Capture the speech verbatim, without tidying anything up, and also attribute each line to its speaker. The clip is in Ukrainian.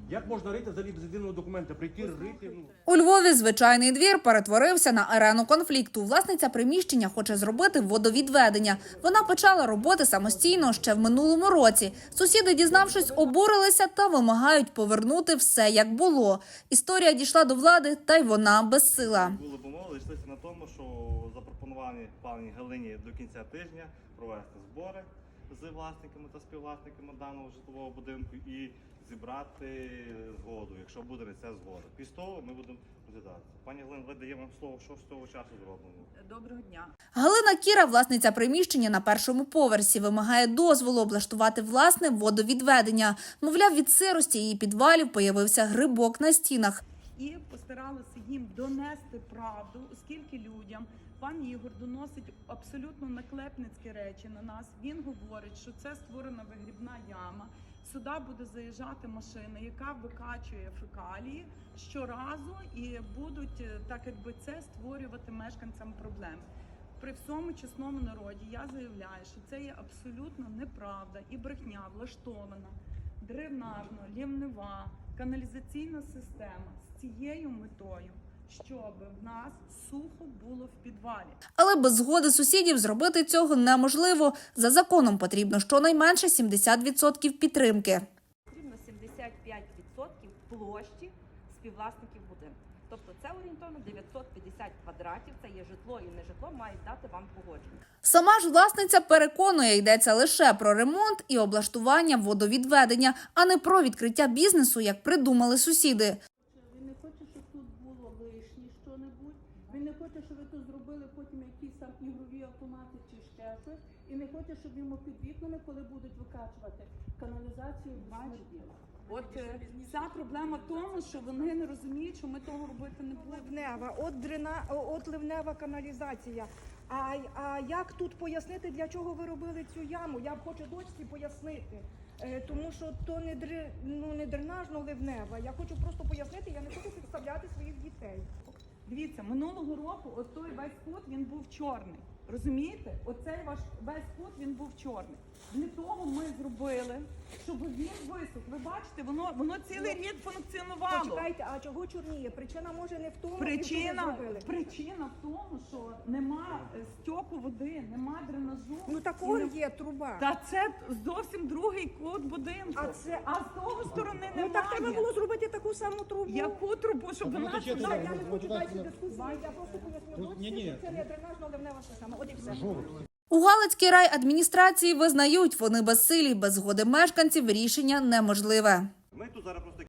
Speaker 1: Як можна рити взагалі без єдиного документа? Прийти, рити? Ну.
Speaker 2: У Львові звичайний двір перетворився на арену конфлікту. Власниця приміщення хоче зробити водовідведення. Вона почала роботи самостійно ще в минулому році. Сусіди, дізнавшись, обурилися та вимагають повернути все, як було. Історія дійшла до влади, та й вона безсила.
Speaker 3: Були помови, йшлися на тому, що запропоновані пані Галині до кінця тижня провести збори з власниками та співвласниками даного житлового будинку і зібрати згоду, якщо буде на це згода. Після того ми будемо розглядати. Пані Галина, ви даємо вам слово, що з того часу зроблено.
Speaker 4: Доброго дня.
Speaker 2: Галина Кіра, власниця приміщення на першому поверсі, вимагає дозволу облаштувати власне водовідведення. Мовляв, від сирості її підвалів появився грибок на стінах.
Speaker 4: І постаралися їм донести правду, оскільки людям пан Ігор доносить абсолютно наклепницькі речі на нас. Він говорить, що це створена вигрібна яма. Сюди буде заїжджати машина, яка викачує фекалії щоразу, і будуть, так якби, це створювати мешканцям проблеми. При всьому чесному народі я заявляю, що це є абсолютно неправда і брехня влаштована дренажно-лівнева каналізаційна система з цією метою, щоб в нас сухо було в підвалі.
Speaker 2: Але без згоди сусідів зробити цього неможливо. За законом потрібно щонайменше сімдесят відсотків підтримки.
Speaker 5: Потрібно сімдесят п'ять відсотків площі співвласників будинку. Тобто це орієнтовно дев'ятсот п'ятдесят квадратів, це є житло і не житло, мають дати вам погодження.
Speaker 2: Сама ж власниця переконує, йдеться лише про ремонт і облаштування водовідведення, а не про відкриття бізнесу, як придумали сусіди.
Speaker 6: Він не хоче, щоб тут було лишнє що-небудь. Він не хоче, щоб ви тут зробили потім якісь там ігрові автомати чи ще щось. І не хоче, щоб йому під вікнами, коли будуть викачувати каналізацію, смерділо.
Speaker 4: От е, вся проблема в тому, що вони не розуміють, що ми того робити не будемо.
Speaker 7: Ливнева, от дрена, от ливнева каналізація. А, а як тут пояснити, для чого ви робили цю яму? Я хочу дочці пояснити. Е, тому що то не, дри, ну, не дренажно-ливнева. Я хочу просто пояснити, я не хочу підставляти своїх дітей.
Speaker 4: Дивіться, минулого року от той весь кут, він був чорний. Розумієте? Оцей ваш весь кут, він був чорний. Для того ми зробили, щоб він висох. Ви бачите, воно, воно цілий рік функціонувало.
Speaker 7: Почекайте, а чого чорніє? Причина може не в тому,
Speaker 4: Причина,
Speaker 7: що ви зробили.
Speaker 4: причина в тому, що нема е, стьоку води, нема дренажу.
Speaker 7: Ну
Speaker 4: І
Speaker 7: такої
Speaker 4: не-
Speaker 7: є труба.
Speaker 4: Та це зовсім другий кут будинку.
Speaker 7: А це-
Speaker 4: а з того сторони
Speaker 7: Ну
Speaker 4: немає.
Speaker 7: так треба було зробити таку саму трубу.
Speaker 4: Яку трубу, щоб вона
Speaker 7: Я,
Speaker 4: сюди...
Speaker 7: я не хочу далі дискусії, я просто поясню дочці, що це не дренажно-ливнева система. От і все.
Speaker 2: У Галицькій райадміністрації визнають, вони безсилі, без згоди мешканців рішення неможливе.
Speaker 3: Ми тут зараз просто